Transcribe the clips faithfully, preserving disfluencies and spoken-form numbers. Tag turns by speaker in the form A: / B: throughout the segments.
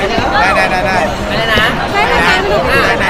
A: ได้ได้ได้ได้
B: อะไรนะ
C: ได้ได้ได้ไม่รู้
A: ได้ได้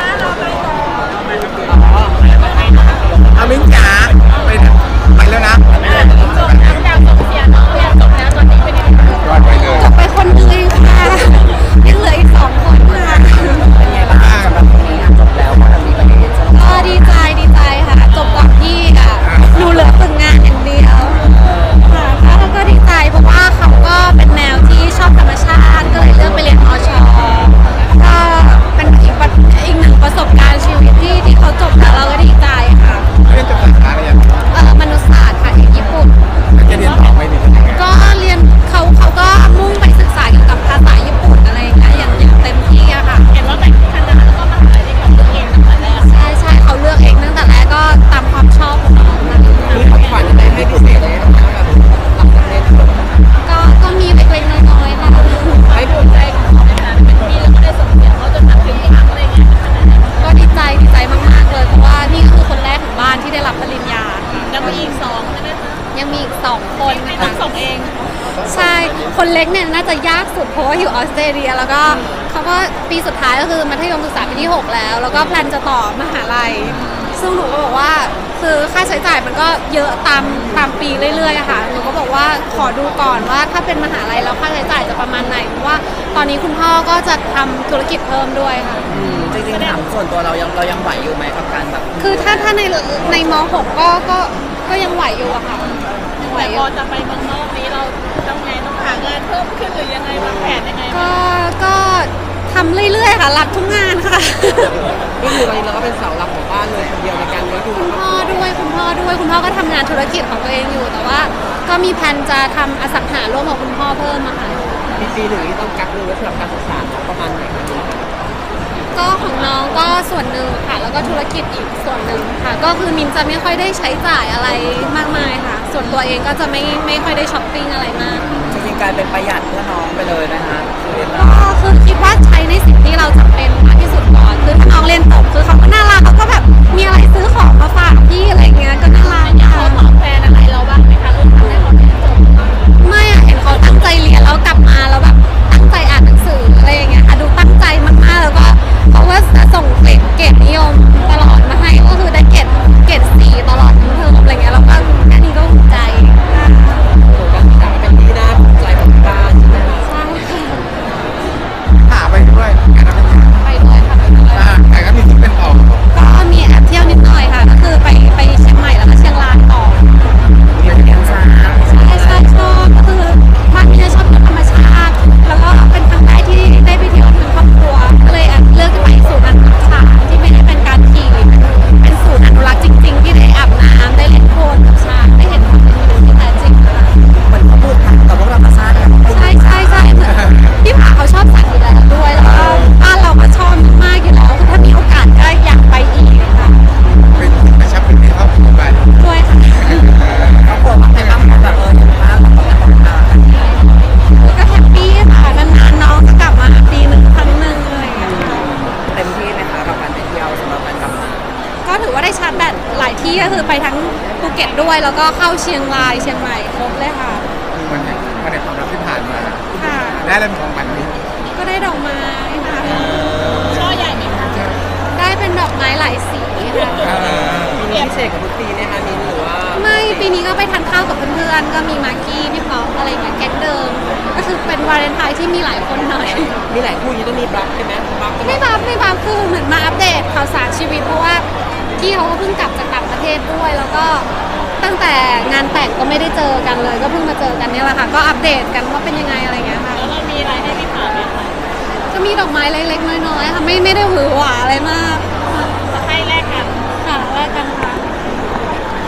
B: อ๋อ
A: อามิ้งจ๋าไปไปแล้วนะ
C: จบทั้งดาวจบเสียน้องเรียนจบแล้วตอนนี้เป็นยังไง
A: รอดไปเลย
C: จบไปคนหนึ่งเองค่ะยังเหลืออีกสองคนค่ะ
B: เป็นไงบ้างสำหรับคนนี้จบแล้วพอทำนี้ไปเรียนจบ
C: ก็ดีใจดีใจค่ะจบก่อนพี่อ่ะหนูเหลือฝึกงานอย่างเดียวค่ะแล้วก็ดีใจเพราะว่าเขาก็เป็นแนวที่ชอบธรรมชาติก็เลยเลือกไปเรียนมอชก็เป็นอีกอีกหนึ่งประสบการณ์ชีวิตที่ที่เขาจบแล้วเราก็ดีใจค่ะ
A: เรียนจบสาขาอะไรอย่าง
C: เออมนุษยศาสตร์ค่ะที่ญี่ปุ่น
A: จะเรียนต่อไปดีเป็นยังไง
C: ก็เรียนเขาเขาก็มุ่งไปศึกษาเกี่ยวกับภาษาญี่ปุ่นอะไรอย่างเงี้ยอย่างอย่างเต็มที่อะค่ะเห็นว่าแต่งคณะแล้วก็มหาลัยที่เขาเลือกเองตั้งแต่แรกใช่ใช่เขาเลือกเองตั้งแต่แรกก็ตามความชอบของน้องมา
B: มีของขวัญอะไรให้พิเศษเลยนะคะแบบหลังจากเรียนจบ
C: ก็ก็มีเล็กๆน้อยๆค่ะ
B: ให้ภูมิใจของเขาในฐานะเป็นพี่แล้วก็ได้ส่งเสียงเขาจนแบบถึงครั้งอะไรเงี้ย
C: ก็ดีใจดีใจมากๆเลยเพราะว่านี่คือคนแรกของบ้านที่ได้รับปริญญา
B: ยังมีอีกสองใช่ไหมคะ
C: ยังมีอีกสองคน
B: ไม่ต้องส่งเอง
C: ใช่คนเล็กเนี่ยน่าจะยากสุดเพราะว่าอยู่ออสเตรเลียแล้วก็เขาก็ปีสุดท้ายก็คือมัธยมศึกษาปีที่หกแล้วแล้วก็แพลนจะต่อมหาลัยซึ่งหนูก็บอกว่าคือค่าใช้จ่ายมันก็เยอะตามตามปีเรื่อยๆอะค่ะหนูก็บอกว่าขอดูก่อนว่าถ้าเป็นมหาลัยแล้วค่าใช้จ่ายจะประมาณไหนเพราะว่าตอนนี้คุณพ่อก็จะทำธุรกิจเพิ่มด้วยค่ะ
B: จริงๆถามส่วนตัวเรายังเรายังไหวอยู่ไหมกับการแบบ
C: คือถ้าถ้าในในม หก ก็ก็ก็ยังไหวอยู่อะค่ะไหว
B: พอจะไปเมืองนอกนี้เราต้องไงต้องหางานเพิ่มขึ้นหรือยังไงวางแผนยังไง
C: ก็ก็ทำเรื่อยๆค่ะรับทุกงานค่ะ
B: ก็คือตอนนี้เราก็เป็นเสาหลักของบ้านเลยคนเดียวในการเลี้ยงดู
C: คุณพ่อด้วยคุณพ่อด้วยคุณพ่อก็ทำงานธุรกิจของตัวเองอยู่แต่ว่าก็มีแผนจะทำอสังหาร่วมกับคุณพ่อเพิ่มอะค่ะ
B: ปีปีหนึ่งนี่ต้องกักเงินไว้สำหรับการศึกษาประมาณไหนคะ
C: ก็ของน้องก็ส่วนหนึ่งค่ะแล้วก็ธุรกิจอีกส่วนหนึ่งค่ะก็คือมินจะไม่ค่อยได้ใช้จ่ายอะไรมากมายค่ะส่วนตัวเองก็จะไม่ไม่ค่อยได้ช้อปปิ้งอะไรมาก
B: จริงๆกลายเป็นประหยัดเพื่อน้องไปเลยนะคะ
C: ก็คือคิดว่าใช้ในสิ่งที่เราจำเป็นมากที่สุดก่อนคือถ้าน้องเรียนจบคือเขาก็น่ารักเขาก็แบบมีอะไรซื้อของมาฝากพี่อะไรเงี้ยก็น่ารัก
B: เขาตอบแทนอะไรเราบ้างไหมคะลูกทำให้เขาเรียนจบ
C: ไม่อะเห็นเขาตั้งใจเรียนแล้วกลับมาแล้วแบบตั้งใจอ่านหนังสืออะไรอย่างเงี้ยค่ะดูตั้งใจมากๆแล้วก็เขาก็ส่งเกรดเกรดนิยมตลอดมาให้ก็คือได้เกรดเกรดสี่ตลอดทั้งเทอมอะไรเงี้ยแล้วก็แค่นี้ก็ภูมิใจ
B: การศึกษาเป็นที่น่าภูมิใจของบ้านใช่ไหมคะ
C: ใช่
A: หาไปด้วย
C: ไปด้วยค่ะไปด้วย
A: แต่ก็มีที่เป็นต่อ
C: ก็มีแอบเที่ยวนิดหน่อยค่ะก็คือไปไปเชียงใหม่แล้วก็เชียงรายต่อ
B: เรียนกันช้า
C: ใช่ใช่ชอบก็คือบ้านพี่ชอบธรรมชาติแล้วก็เป็นครั้งแรกที่ได้ไปเที่ยวทั้งครอบครัวก็เลยเลือกไปศูนย์อนุรักษ์ช้างที่ไม่ได้เป็นการขี่เป็นศูนย์อนุรักษ์จริงๆที่ได้อาบน้ำได้เล่นโคลนกับช้างได้เห็นความเป็นอยู่ที่แท้จริงค่ะ
B: เหมือนเขาพูดกับพวกเราภาษาเนี่ย
C: ใช่ใช่ใช่พี่ผาเขาชอบสัตว์อยู่แล้วด้วยแล้วก็บ้านเราก็ชอบมากอยู่แล้วคือถ้ามีโอกาสก็อยากไปอีกค่ะ
A: เป็นกระชับเป็นในครอบครัวบ้าน
C: ด้วยค่ะ
B: ครอบครัวแต่บ้านแบบเออเห็นบ้านเราแบบนั้น
C: ก็แฮปปี้ค่ะนานๆน้องจะกลับมาปีหนึ่งครั้งหนึ่งเลย
B: เต็มที่ไหมคะกับการไปเที่ยวสำหรับการกลับมา
C: ก็ถือว่าได้ชาร์จแบตหลายที่ก็คือไปทั้งภูเก็ตด้วยแล้วก็เข้าเชียงรายเชียงใหม่ครบเลยค่ะ
A: วันนี้วันในความรักที่ผ่านมา
C: ค่ะ
A: ได้อะไรของมันนี้
C: ก็ได้ดอกไม้ค่ะ
B: ช่อใหญ่ไหมคะ
C: ได้เป็นดอกไม้หลายสีค่ะ
B: ปีนี้พิเศษกับทุกปีไหมคะมินหรือว่า
C: ไม่ปีนี้ก็ไปทานข้าวกับเพื่อนๆก็มีมากกี้พี่ป๊อปอะไรอย่างเงี้ยแก๊งเดิมก็คือเป็นวาเลนไทน์ที่มีหลายคนหน่อย
B: มีหลายคู่ยังต้องมีบัฟใช่ไหมบัฟ
C: ไม่บัฟไม่บัฟคือเหมือนมาอัปเดตข่าวสารชีวิตเพราะว่าพี่เขาก็เพิ่งกลับจากต่างประเทศด้วยแล้วก็ตั้งแต่งานแต่งก็ไม่ได้เจอกันเลยก็เพิ่งมาเจอกันเนี่ยแหละค่ะก็อัปเดตกันว่าเป็นยังไงอะไรเงี้ยค่ะ
B: แล้วเรามีอะไรให้พี่ผ่านไหมคะ
C: ก็มีดอกไม้เล็กๆน้อยๆค่ะไม่ไม่ได้หวือหวาอะไรมาก
B: จะให้แลกกัน
C: ค่ะแลกกันค่ะ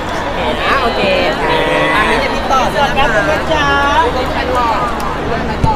B: โอเคค่ะอันนี้จะพี่ต่อจะนะคะจ้าเป็นใครต่อเป็นใครต่อ